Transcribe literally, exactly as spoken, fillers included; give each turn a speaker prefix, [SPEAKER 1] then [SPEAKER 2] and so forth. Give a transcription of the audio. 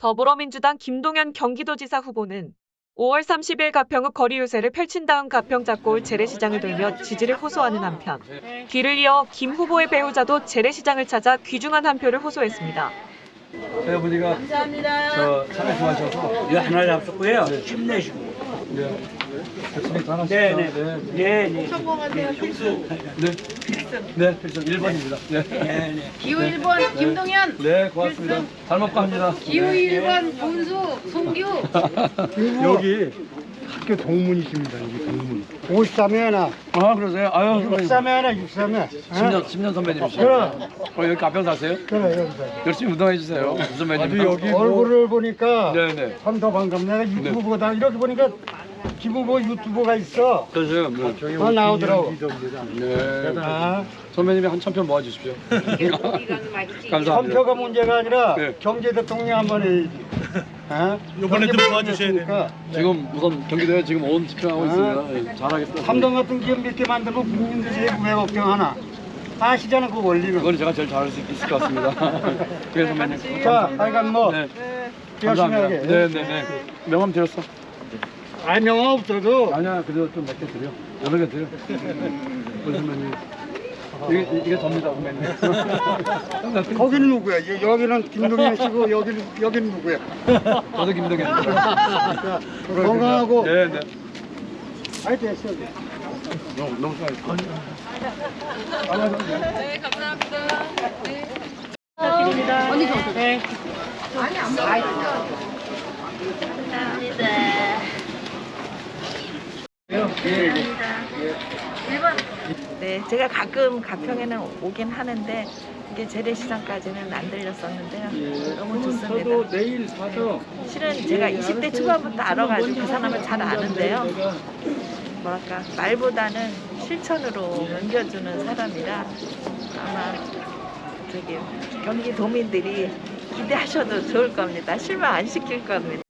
[SPEAKER 1] 더불어민주당 김동연 경기도지사 후보는 오월 삼십일 가평읍 거리 유세를 펼친 다음 가평 잡고 올 재래시장을 돌며 지지를 호소하는 한편 뒤를 이어 김 후보의 배우자도 재래시장을 찾아 귀중한 한 표를 호소했습니다.
[SPEAKER 2] 배우분이가
[SPEAKER 3] 감사합니다.
[SPEAKER 2] 저 참여 좋아하셔서
[SPEAKER 4] 이거 하나 잡수고요.
[SPEAKER 2] 네.
[SPEAKER 4] 힘내시고.
[SPEAKER 2] 네. 열심히 또 하나씩
[SPEAKER 4] 네네.
[SPEAKER 2] 네.
[SPEAKER 4] 네네.
[SPEAKER 3] 성공하세요. 필수.
[SPEAKER 2] 네. 네, 필승 일 번입니다. 네.
[SPEAKER 4] 네네.
[SPEAKER 3] 기호 일 번 김동연.
[SPEAKER 2] 네, 고맙습니다. 잘 먹고 합니다.
[SPEAKER 3] 기호 일 번 본수 송규.
[SPEAKER 5] 여기 학교 동문이십니다. 여기 동문. 오십삼 회 하나,
[SPEAKER 2] 아, 그러세요? 아유, 선배님.
[SPEAKER 5] 육십삼 회 하나, 육십삼 회.
[SPEAKER 2] 십 년, 십 년 선배님이시죠?
[SPEAKER 5] 그래.
[SPEAKER 2] 어, 여기 가평 사세요?
[SPEAKER 5] 그래, 여기서.
[SPEAKER 2] 열심히 운동해 주세요. 선배님.
[SPEAKER 5] 아주 여기 얼굴을 보니까
[SPEAKER 2] 네네.
[SPEAKER 5] 참 더 반갑네. 내가 유튜브보다 이렇게 보니까 김후보 유튜버가 있어.
[SPEAKER 2] 그러세요? 네.
[SPEAKER 5] 어, 나오더라고.
[SPEAKER 2] 네.
[SPEAKER 5] 아,
[SPEAKER 2] 선배님이 한 천 표 모아주십시오. 감사합니다.
[SPEAKER 5] 선표가 문제가 아니라
[SPEAKER 2] 네.
[SPEAKER 5] 경제 대통령 한번 해야지. 어?
[SPEAKER 6] 이번에 좀 도와주셔야
[SPEAKER 5] 되니까.
[SPEAKER 2] 지금 우선 경기도에 지금 온 집중하고 있습니다. 예, 잘하겠습니다.
[SPEAKER 5] 삼성 같은 기업 몇 개 만들고 국민들 세금 왜 걱정하나? 아시잖아 그 원리는.
[SPEAKER 2] 그건 제가 제일 잘할 수 있을 것 같습니다. 그래서 선배님.
[SPEAKER 5] 자, 하여간 뭐
[SPEAKER 2] 네.
[SPEAKER 5] 열심히
[SPEAKER 2] 감사합니다.
[SPEAKER 5] 하게.
[SPEAKER 2] 네네네. 명함 드렸어.
[SPEAKER 5] 아, 명함 없어도
[SPEAKER 2] 아니야, 그래도 좀 몇 개 드려. 여러 개 드려. 우리 선배님. 이게, 이게 접니다, 선배님.
[SPEAKER 5] 거기는 누구야? 여- 여기는 김동현 씨고 여기는 여기는 누구야?
[SPEAKER 2] 저도 김동현.
[SPEAKER 5] 자, 건강하고.
[SPEAKER 2] 네네.
[SPEAKER 5] 아이 됐어.
[SPEAKER 2] 너무, 너무 수고하셨습니다.
[SPEAKER 3] 네 감사합니다. 네. 언니 저 네. 아니 안 먹어요.
[SPEAKER 7] 네, 제가 가끔 가평에는 오긴 하는데 이게 재래시장까지는 안 들렸었는데요. 너무 좋습니다.
[SPEAKER 2] 저도 내일 사서
[SPEAKER 7] 실은 제가 이십 대 초반부터 알아가지고 그 사람을 잘 아는데요. 뭐랄까 말보다는 실천으로 옮겨주는 사람이라 아마 저기 경기도민들이 기대하셔도 좋을 겁니다. 실망 안 시킬 겁니다.